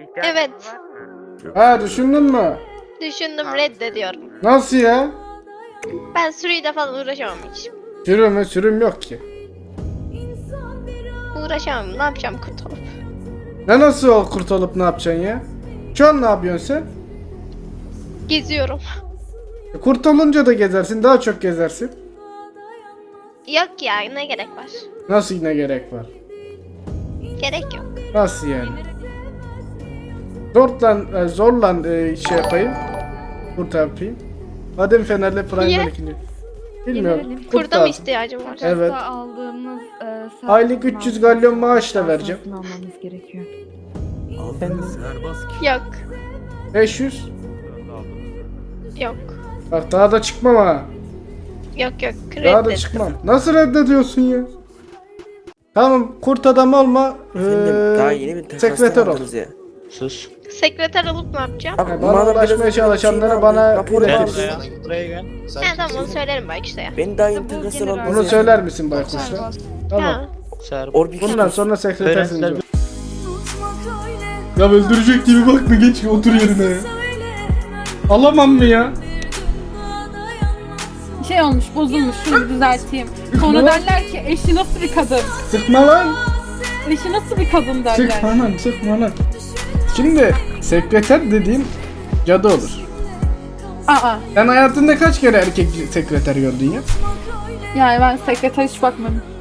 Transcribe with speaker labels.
Speaker 1: Evet.
Speaker 2: Ha, düşündün mü?
Speaker 1: Düşündüm, reddediyorum.
Speaker 2: Nasıl ya?
Speaker 1: Ben sürüyle falan uğraşamam hiç.
Speaker 2: Sürüm yok ki.
Speaker 1: Uğraşamam. Ne yapacağım kurtulup?
Speaker 2: Ne nasıl o kurtulup ne yapacaksın ya? Şu an ne yapıyorsun sen?
Speaker 1: Geziyorum.
Speaker 2: Kurtulunca da gezersin, daha çok gezersin.
Speaker 1: Yok ya, ne gerek var?
Speaker 2: Nasıl yine gerek var?
Speaker 1: Gerek yok.
Speaker 2: Nasıl yani? Zorlan şey yapayım. Kurt yapayım. Adem Fener'le Prime'ler ikinci. Bilmiyorum.
Speaker 3: Gelelim.
Speaker 2: Kurt
Speaker 1: Kurda mı
Speaker 2: lazım.
Speaker 1: ihtiyacım var?
Speaker 2: Evet.
Speaker 3: Takasta aldığımız
Speaker 2: Aylık 300 galyon maaş da vereceğim.
Speaker 3: almamız gerekiyor.
Speaker 4: Aldınız serbest ki.
Speaker 1: Yok.
Speaker 2: 500.
Speaker 1: Yok.
Speaker 2: Bak daha da çıkmam ha.
Speaker 1: Yok.
Speaker 2: Daha da
Speaker 1: Reddettim.
Speaker 2: çıkmam. Nasıl reddediyorsun ya? Tamam, kurt adam olma.
Speaker 5: Efendim daha yeni bir takastan
Speaker 2: sekreter ol.
Speaker 5: aldınız ya.
Speaker 4: Sus.
Speaker 1: Sekreter olup ne yapacağım?
Speaker 5: Abi,
Speaker 2: Bana
Speaker 5: madem
Speaker 2: ulaşmaya
Speaker 5: biraz önce
Speaker 2: çalışanları
Speaker 5: şeyini
Speaker 2: bana
Speaker 5: aldı, rapor
Speaker 2: iletir.
Speaker 4: Gel
Speaker 5: aldı.
Speaker 4: buraya. Buraya gel. Sen
Speaker 1: Ha tamam, onu
Speaker 4: kimsin?
Speaker 1: söylerim Baykuş'a ya.
Speaker 5: Ben daha yeni
Speaker 3: Bu
Speaker 5: takastan
Speaker 3: general-
Speaker 5: aldım.
Speaker 2: Bunu söyler misin Baykuş'a? Tamam.
Speaker 1: Ha.
Speaker 4: Serbest.
Speaker 2: Bundan sonra sekretersin
Speaker 4: Öğrenciler-
Speaker 2: diyor. Ya öldürecek gibi bakma, geç otur yerine. Alamam mı ya?
Speaker 6: Şey olmuş, bozulmuş, şunu düzelteyim. Sonra derler ki eşi nasıl bir kadın?
Speaker 2: Sıkma lan.
Speaker 6: Eşi nasıl bir kadın derler.
Speaker 2: Sıkma lan. Şimdi sekreter dediğin cadı olur.
Speaker 6: Aa,
Speaker 2: Sen hayatında kaç kere erkek sekreter gördün ya?
Speaker 6: yani ben sekreter hiç bakmadım.